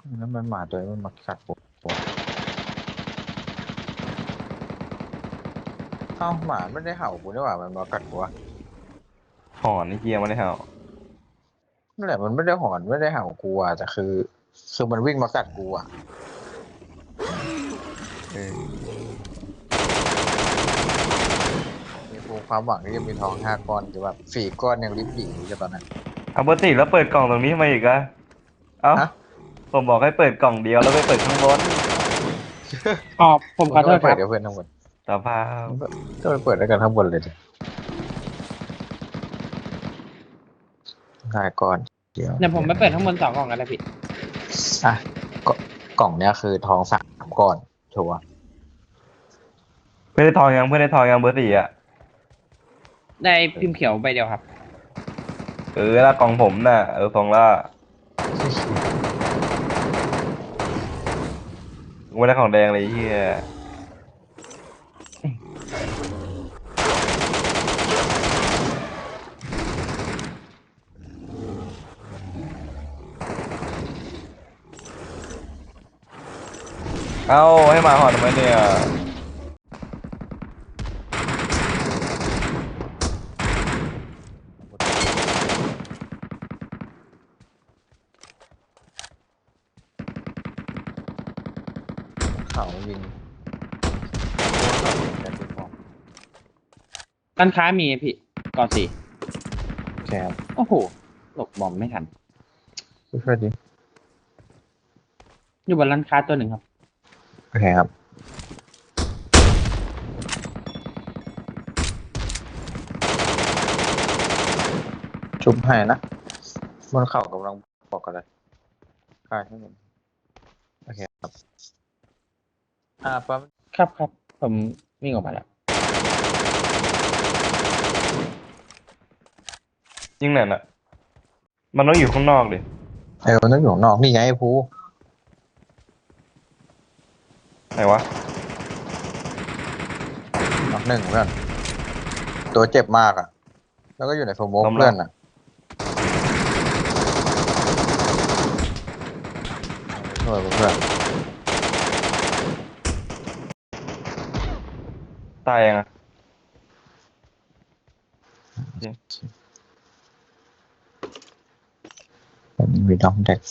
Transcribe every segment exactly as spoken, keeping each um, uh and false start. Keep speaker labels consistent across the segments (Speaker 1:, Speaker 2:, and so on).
Speaker 1: แล้วมันหมาตัวนี้มันมากัดผมเอ้าหมาไม่ได้เห่ากูนี่หว่ามันมากัดกูวะ
Speaker 2: หอนไอ้เกียไม่ได้เห่า
Speaker 1: นั่นแหละมันไม่ได้หอนไม่ได้เห่ากูอ่ะแต่คือคือมันวิ่งมากัดกูอ่ะ
Speaker 2: เออ
Speaker 1: มีภูความหวังที่จะมีทองห้าก้อนแต่แบบสี่ก้อนยังริบหรี่อยู่ตอนนั้น
Speaker 2: เอาปกติแล้วเปิดกล่องตรงนี้ทำไมอีกอะเอ้า
Speaker 1: ฮะ
Speaker 2: ผมบอกให้เปิดกล่องเดียวแล้วไปเปิดข้างบน
Speaker 3: อ๋อผมขอโทษค
Speaker 1: เปิด
Speaker 3: รับ
Speaker 1: เดี๋ยวเพื่อนทั้งหมด
Speaker 2: สภาพ
Speaker 1: ก็ไปเปิดด้วยกันทั้งหมดเลยดิห้าก้อนเดียว
Speaker 3: เดี๋ยวผมไปเปิดข้างบนสองกล่องกันเลยพี่
Speaker 1: อ่ะกกล่องเนี้ยคือทองสามก้อนชัวร์
Speaker 2: เพื่อนได้ทองยังเพื่อนได้ทองยังเบอร์สี่อะ
Speaker 3: ได้พิมพ์เขียวใบเดียวครับ
Speaker 2: เออแล้วกล่องผมน่ะเออทองละกูไม่ได้ของแดงเลยไอ้เฮียเอ้าให้หมาหอนทำไมเนี่ย
Speaker 1: เขายิงกันที่ฟอง
Speaker 3: ร้านค้ามีไหมพี่ก่อนสี่
Speaker 1: แคบ
Speaker 3: โอ้โหหลบบอมไม่ทัน
Speaker 1: ช่วยดิ
Speaker 3: อยู่บนร้านค้าตัวหนึ่งครับ
Speaker 1: โอเคครับชุบให้นะบนเข่ากำลังบอกกันเลยใช่ให้ผมโอเคครับอ่าปั๊ม
Speaker 3: ครับครับผมวิ่งออกมาแล้ว
Speaker 2: ยิงไหนน่ะมันต้องอยู่ข้างนอกดิ
Speaker 1: เออมันต้องอยู่ข้างนอกนี่ไงไอ้ภู
Speaker 2: ไหนวะ
Speaker 1: นอกหนึ่งเพื่อนตัวเจ็บมากอ่ะ แล้วก็อยู่ในโฟมโมกเพื่อนอ่ะช่วยเพื่อน
Speaker 2: ตายยังอะ
Speaker 1: ผมมีดอมเด็ก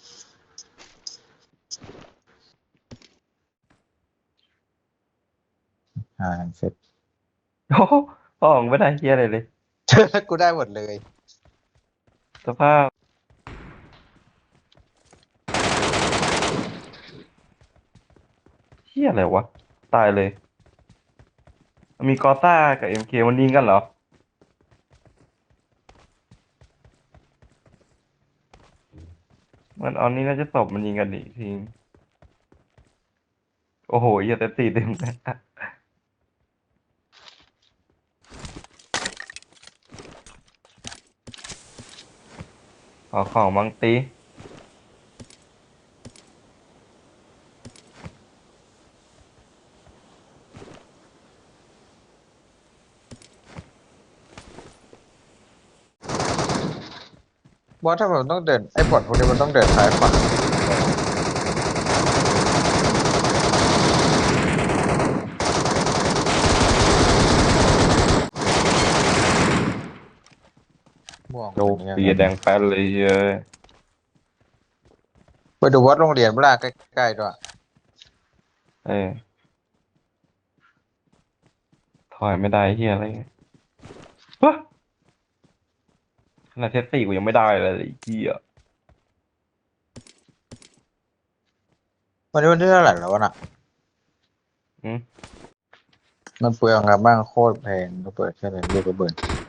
Speaker 1: อ่าเสร็จ
Speaker 2: โอ้โหพ่อของไม่ได้เฮียอะไรเลย
Speaker 1: กูได้หมดเลย
Speaker 2: สภาพเฮียอะไรวะ ตายเลย มีกอต้ากับเอ็มเคมันยิงกันเหรอ มันเอานี้น่าจะตบมันยิงกันดิทีมโอ้โหอย่าแต่ตีเต็มเลยขอของมังตี
Speaker 1: บอสถ้ามันต้องเดินไอ้บอทพวกนี้มันต้องเดินซ้ายขวาม่วง
Speaker 2: โดนตีแดงแป๊ดเลยเฮ้ย
Speaker 1: ไปดูวัดโรงเรียนเวลาใกล้ๆด้วย
Speaker 2: เออถอยไม่ได้เฮียอะไรเงี้ยฮะขนาดเทสสี่กูยังไม่ได้เลยไอ้เฮีย
Speaker 1: วันนี้วันที่เท่าไหร่แล้ววะน่ะ
Speaker 2: อืม
Speaker 1: มันเปลืองครับบ้างโคตรแพงก็เปิดแค่ไหนลูกกระเบิด